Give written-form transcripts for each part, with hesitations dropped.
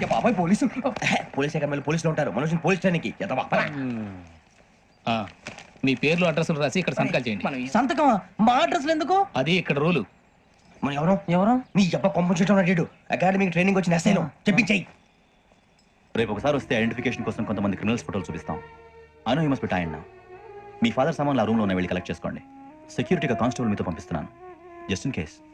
బాబాయ్ police. Police అకాడమీలో పోలీసులు ఉంటారు, మనుషులు పోలీస్ ట్రైనింగ్కి మీ పేర్లు అడ్రస్లు రాసి ఇక్కడ సంతకాలు చేయండి. సంతకం మా అడ్రస్లు ఎందుకు? అది ఇక్కడ రూలు. మనం ఎవరు నీ అబ్బా పంపించడం అడిగాడు. అకాడమిక్ ట్రైనింగ్ వచ్చిన ఎస్ఐలో చెప్పించాయి. రేపు ఒకసారి వస్తే ఐడెంటిఫికేషన్ కోసం కొంతమంది క్రిమినల్స్ ఫోటోలు చూపిస్తాం. Anu you must be tired now. మీ ఫాదర్ సామాన్లు ఆ రూమ్లో ఉన్న వెళ్ళి కలెక్ట్ చేసుకోండి. సెక్యూరిటీగా కానిస్టేబుల్ మీతో పంపిస్తున్నాను, just in case.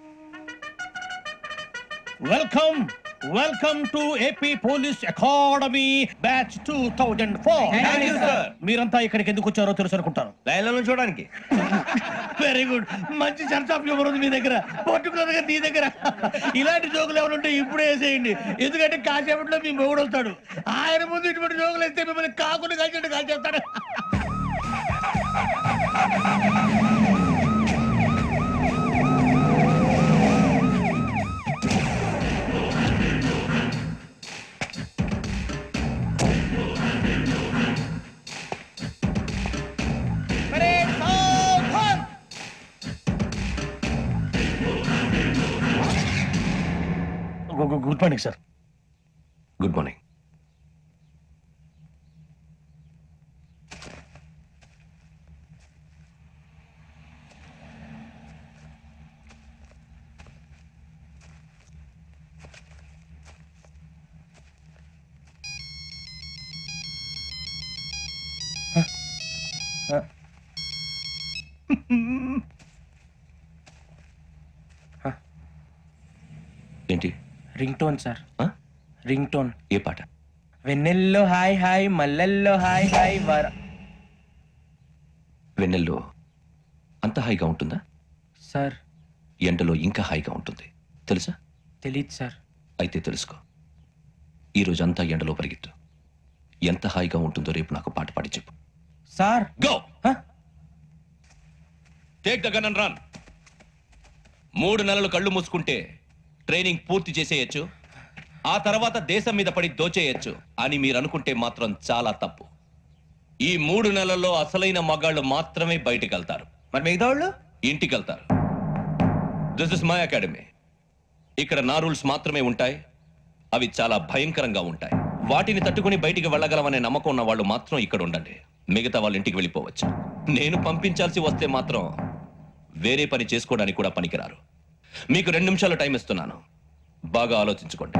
Welcome to AP police academy batch 2004. మీరంతా ఇక్కడికి ఎందుకు వచ్చారో తెలుసు అనుకుంటాను. లైన్లో చూడడానికి. Very good. మంచి సెన్స్ ఆఫ్ హ్యూమర్ ఉంది మీ దగ్గర, పర్టికులర్ గా నీ దగ్గర. ఇలాంటి జోకులు ఎవరు ఉంటే ఇప్పుడే వేసేయండి, ఎందుకంటే కాసేపట్లో మీ మొగుడు వస్తాడు. ఆయన ముందు ఇటువంటి జోకులు వేస్తే మిమ్మల్ని కాకుండా కాల్చేట్టు కాల్చేస్తాడు. Good morning sir. Good morning. ఏంటి? Ringtone sir, ringtone. ఏ పాట? వెన్నెల్లో హాయ్ హాయ్, మల్లెల్లో హాయ్ హాయ్ వర. వెన్నెల్లో అంత హాయిగా ఉంటుందా సార్? ఎండలో ఇంకా హాయిగా ఉంటుంది తెలుసా? తెలీదు సార్. అయితే తెలుసుకో. ఈరోజు అంతా ఎండలో పరిగెత్తు. ఎంత హాయిగా ఉంటుందో రేపు నాకు పాట పాడి చెప్పు. Sir go. Take the gun and run. 3 నెలలు కళ్ళు మూసుకుంటే ట్రైనింగ్ పూర్తి చేసేయచ్చు, ఆ తర్వాత దేశం మీద పడి దోచేయచ్చు అని మీరు అనుకుంటే మాత్రం చాలా తప్పు. ఈ 3 నెలల్లో అసలైన మగాళ్ళు మాత్రమే బయటికి వెళ్తారు. మరి మిగతా వాళ్ళు ఇంటికి వెళ్తారు. This is my academy. ఇక్కడ నా రూల్స్ మాత్రమే ఉంటాయి. అవి చాలా భయంకరంగా ఉంటాయి. వాటిని తట్టుకుని బయటికి వెళ్ళగలమనే నమ్మకం ఉన్న వాళ్ళు మాత్రం ఇక్కడ ఉండండి. మిగతా వాళ్ళు ఇంటికి వెళ్ళిపోవచ్చు. నేను పంపించాల్సి వస్తే మాత్రం వేరే పని చేసుకోవడానికి కూడా పనికిరారు. మీకు 2 నిమిషాలు టైం ఇస్తున్నాను, బాగా ఆలోచించుకోండి.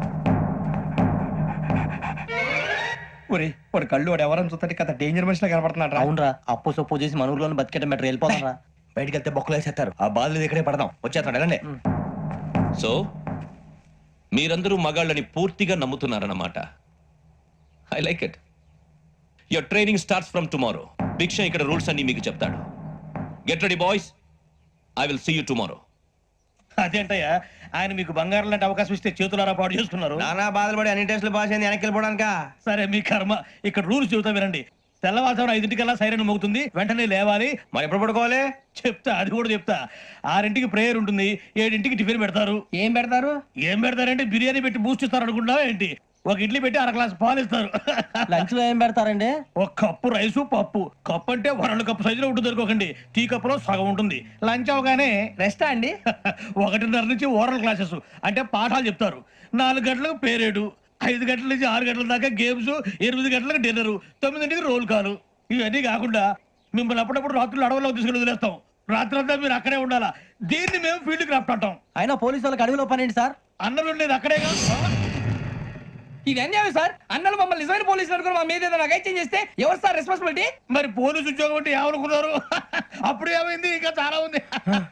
వాడు కళ్ళు వాడు ఎవరైనా చూస్తే కదా డేంజర్ మనిషిలో కనపడుతున్నాడు. అవునరా, అప్పు సొప్పు చేసి మన ఊర్లో బతికేట బెటర్. వెళ్ళిపోతారా? బయటికి వెళ్తే బొక్కలు వేసేస్తారు. ఆ బాధలు ఇక్కడే పడదాం. వచ్చేస్తాడు వెళ్ళండి. సో మీరందరూ మగాళ్ళని పూర్తిగా నమ్ముతున్నారన్నమాట. I like it. Your training starts from tomorrow. భిక్ష ఇక్కడ రూల్స్ అన్ని మీకు చెప్తాడు. Get ready boys, I will see you tomorrow. అదేంటయ్యా, ఆయన మీకు బంగారం లాంటి అవకాశం ఇస్తే చేతులారా పాటు చేసుకున్నారు. నానా బాధలు పడి అన్ని టెస్టులు పాస్ అయింది, వెనక్కి వెళ్ళిపోవడానికా? సరే మీ కర్మ. ఇక్కడ రూల్స్ చెబుతా వినండి. తెల్లవారుజామున 5 సైరన్ మోగుతుంది, వెంటనే లేవాలి. మరి ఎప్పుడు పడుకోవాలి? చెప్తా, అది కూడా చెప్తా. 6 ప్రేయర్ ఉంటుంది, 7 టిఫిన్ పెడతారు. ఏం పెడతారు? ఏం పెడతారంటే బిర్యానీ పెట్టి బూస్ట్ ఇస్తారు అనుకుంటున్నావా ఏంటి? ఒక ఇడ్లీ పెట్టి 1 గ్లాస్ పాలు ఇస్తారు. లంచ్ లో ఏం పెడతారండి? 1 కప్పు రైసు, పప్పు. కప్పు అంటే 2 కప్పు సైజులో ఉంటుంది అనుకోకండి. టీ కప్పులో సగం ఉంటుంది. లంచ్ అవగానే రెస్టా అండి? 1:30 నుంచి ఓరల్ క్లాసెస్ అంటే పాఠాలు చెప్తారు. 4 గంటలకు పేరేడు, 5 గంటల నుంచి 6 గంటల దాకా గేమ్స్, 8 గంటలకు డిన్నర్, 9 రోల్ కాలు. ఇవన్నీ కాకుండా మిమ్మల్ని అప్పుడప్పుడు రాత్రులు అడవుల్లో తీసుకుని వదిలేస్తాం. రాత్రంతా మీరు అక్కడే ఉండాలా. దీన్ని మేము ఫీల్డ్ క్రాఫ్ట్ అంటాం. అయినా పోలీసు వాళ్ళకి అడవిలో పని ఏంటి సార్? అన్నం ఉండేది అక్కడేగా. ఇది అన్యాయం సార్. అన్నలు మమ్మల్ని నిజమైన పోలీసులు అనుకుని మా మీద ఏదైనా అగైత్యం చేస్తే ఎవరు సార్ రెస్పాన్సిబిలిటీ? మరి పోలీసు ఉద్యోగం అంటే ఏమనుకున్నారు? అప్పుడు ఏమైంది? ఇంకా చాలా ఉంది.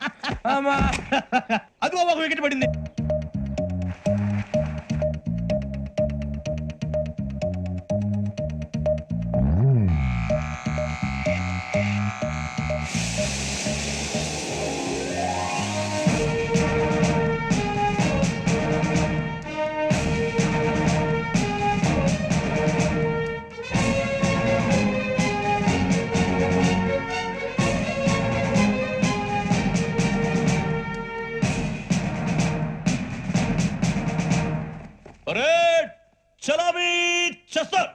అదిగో 1 వికెట్ పడింది. చలామీ చేస్తారు.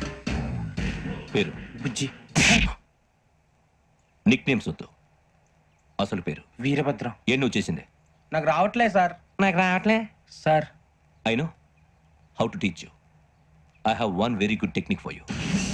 పేరు బుజ్జి. నిక్ నేమ్స్ వద్దు, అసలు పేరు వీరభద్రం. ఏ నువ్వు చేసింది? నాకు రావట్లే సార్. నాకు రావట్లే sir. I know how to teach you. I have one very good technique for you.